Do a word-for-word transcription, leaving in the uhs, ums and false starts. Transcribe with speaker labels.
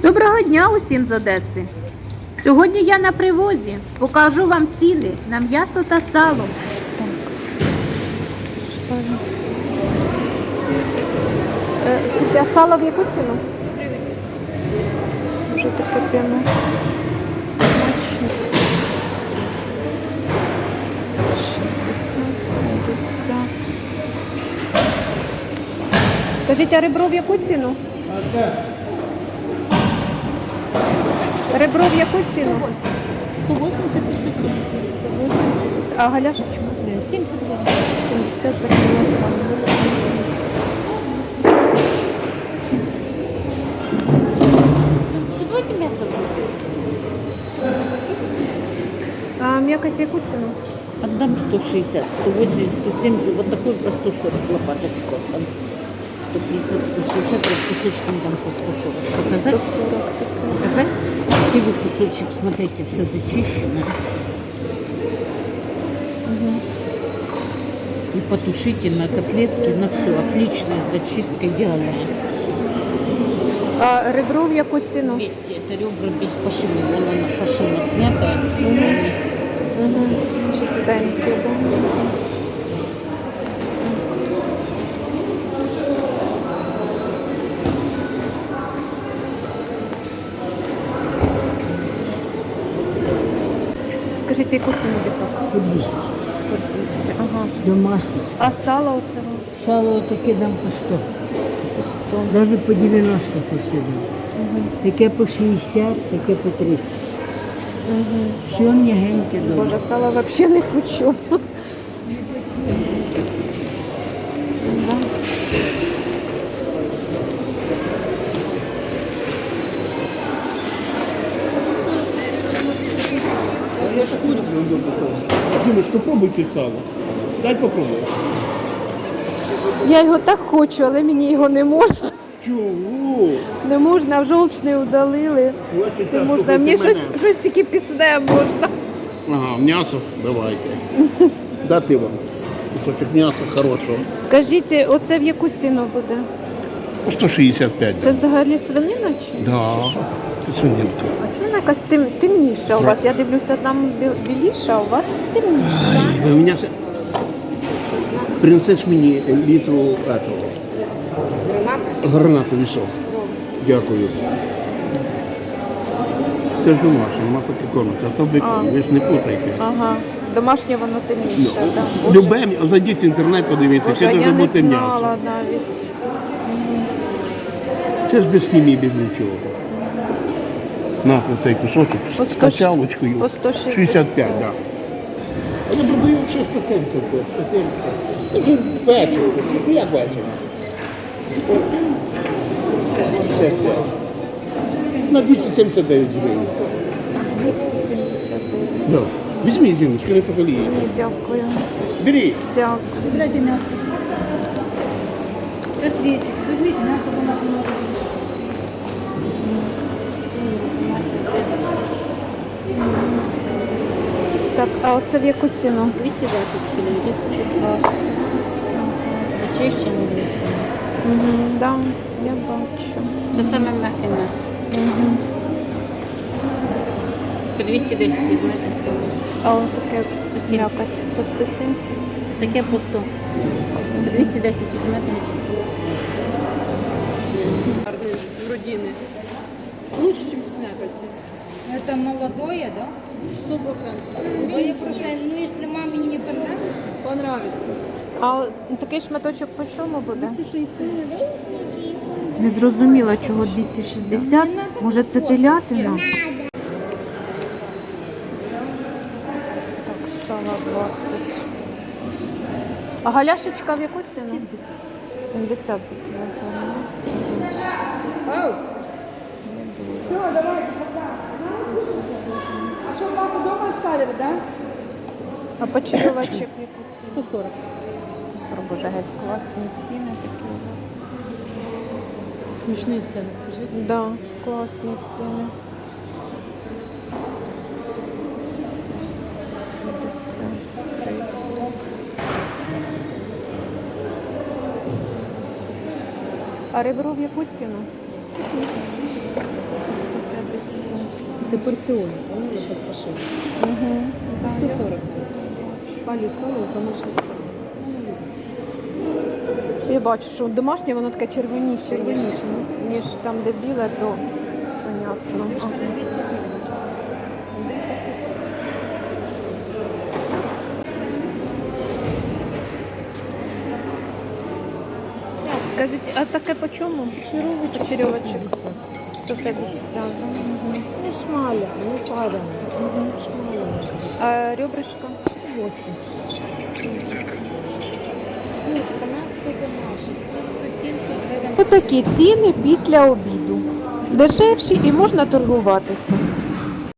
Speaker 1: Доброго дня усім з Одеси! Сьогодні я на привозі. Покажу вам ціни на м'ясо та сало.
Speaker 2: А сало в яку ціну? Вже таке прямо смачно. шістдесят, п'ятдесят. Скажіть, а ребро в яку ціну? Ребро в яку ціну?
Speaker 1: сто вісімдесят і сто сімдесят.
Speaker 2: сто вісімдесят. А галяшечка?
Speaker 1: сімдесят гривень.
Speaker 2: сімдесят за кілограм.
Speaker 1: Давайте м'ясо.
Speaker 2: А м'якоть в яку ціну?
Speaker 3: Отдам сто шестьдесят, сто восемьдесят, сто семьдесят, вот такой по сто сорок лопаточку отдам. сто пятьдесят, сто шестьдесят, вот кусочком дам по сто сорок. Показать?
Speaker 2: сто сорок такая.
Speaker 3: Показать? Красивый кусочек, смотрите, все зачищено.
Speaker 2: Угу.
Speaker 3: И потушите на котлетки, на все. Отличная зачистка, идеальная.
Speaker 2: А ребро в яку ціну?
Speaker 3: двести, это ребра без пашины. Вон она, пашина снятая.
Speaker 2: Угу. Чистенькі, да. Скажіть, в яку ціну біток?
Speaker 3: По двести.
Speaker 2: По двісті, ага.
Speaker 3: Домашний.
Speaker 2: А сало оцього?
Speaker 3: Сало таке дам по сто.
Speaker 2: По сто.
Speaker 3: Даже по девяносто пошли.
Speaker 2: Угу.
Speaker 3: Таке по шістдесят, таке по тридцять.
Speaker 2: Угу.
Speaker 3: Все м'ягеньке добре.
Speaker 2: Боже, сало взагалі не почув. Да.
Speaker 4: Димочка, попробуйте сало. Дай попробуй.
Speaker 2: Я його так хочу, але мені його не можна.
Speaker 4: Чого?
Speaker 2: Не можна, в жовчний удалили. Не можна. Мені щось, щось тільки пісне можна.
Speaker 4: Ага, м'ясо давайте. Дати вам кусочок м'яса хорошого.
Speaker 2: Скажіть, оце в яку ціну буде?
Speaker 4: По сто шістдесят п'ять.
Speaker 2: Це взагалі свинина чи?
Speaker 4: Да.
Speaker 2: чи що?
Speaker 4: Це свининка.
Speaker 2: А чому вона якась тем, темніша у вас? Я дивлюся, там бі- біліша, а у вас темніша.
Speaker 4: У мене с- принесеш мені літру этого. Гранату вісов. Дякую. Це ж домашнє, нема поки кормиться. А то ви,
Speaker 2: А.
Speaker 4: ви ж не путайте.
Speaker 2: Ага. Домашнє воно темніше.
Speaker 4: Ну,
Speaker 2: Да. Боже,
Speaker 4: Любе, м'я- зайдіть в інтернет, подивіться,
Speaker 2: Боже,
Speaker 4: це
Speaker 2: я
Speaker 4: дуже
Speaker 2: не
Speaker 4: бути м'ясо.
Speaker 2: знала навіть.
Speaker 4: Це ж без хімії, без нічого. На цей кусочок
Speaker 2: По
Speaker 4: з
Speaker 2: сто
Speaker 4: качалочкою.
Speaker 2: по сто шістдесят.
Speaker 4: шістдесят п'ять, так. А я продаю ще сто сімдесят. сто сімдесят. Таке бачив, ну як бачив? шістдесят п'ять. На двісті сімдесят дев'ять гривень.
Speaker 2: двісті сімдесят дев'ять.
Speaker 4: Да. Візьміть, жіночки, не пожалієте.
Speaker 2: Ні, дякую.
Speaker 4: Беріть.
Speaker 2: Дякую.
Speaker 1: Купляйте м'ясо. Костричек. Візьміть м'ясо, воно много.
Speaker 2: Так, а оце в яку ціну?
Speaker 1: двісті двадцять кілограмів.
Speaker 2: двісті двадцять.
Speaker 1: Зачищено дивіться.
Speaker 2: Угу, да, я бачу.
Speaker 1: Це саме м'яке м'ясо.
Speaker 2: Угу.
Speaker 1: По двісті десять візьмете.
Speaker 2: А от таке
Speaker 1: сто сімдесят.
Speaker 2: м'якоть по сто сімдесят.
Speaker 1: Таке по сто. По двісті десять візьмете.
Speaker 5: С грудины. Лучше, чем с мякоти. Это молодое, да? Сто процентов. Молодое процент. Ну, если маме не понравится, понравится.
Speaker 2: А от такий шматочок по чому буде?
Speaker 5: двести шестьдесят.
Speaker 1: Не зрозуміла, чого двісті шістдесят. Може це телятина?
Speaker 2: Так, сало двадцять. А галяшечка в яку ціну? сімдесят за кілограм.
Speaker 5: А что, папа дома оставили, да?
Speaker 2: А почерьовочок в яку ціну?
Speaker 5: сто сорок.
Speaker 2: сто сорок. Боже, геть класні ціни такі у вас.
Speaker 5: Смешные цены, скажи.
Speaker 2: Да, класні ціни. п'ятдесят, тридцять. А ребро в яку ціну? сто
Speaker 5: Це порціони, поняли, без пашин. По сто сорок. Палі сало з домашнім салом.
Speaker 2: Я бачу, що домашнє воно таке червоніше, ніж,
Speaker 5: Червоніше,
Speaker 2: ніж там, де біле, то понятно.
Speaker 5: Мішка на двісті гривень. Один по сто сорок.
Speaker 2: Скажіть, а таке по чому?
Speaker 3: Черевочек
Speaker 2: Черевочек. сто п'ятдесят.
Speaker 3: Не шмаля, не парена. Шмаля.
Speaker 2: А ребрышко?
Speaker 3: восемьдесят. Ну, канадська домашня. сто сімдесят гривень.
Speaker 2: Отакі ціни після обіду. Дешевші і можна торгуватися.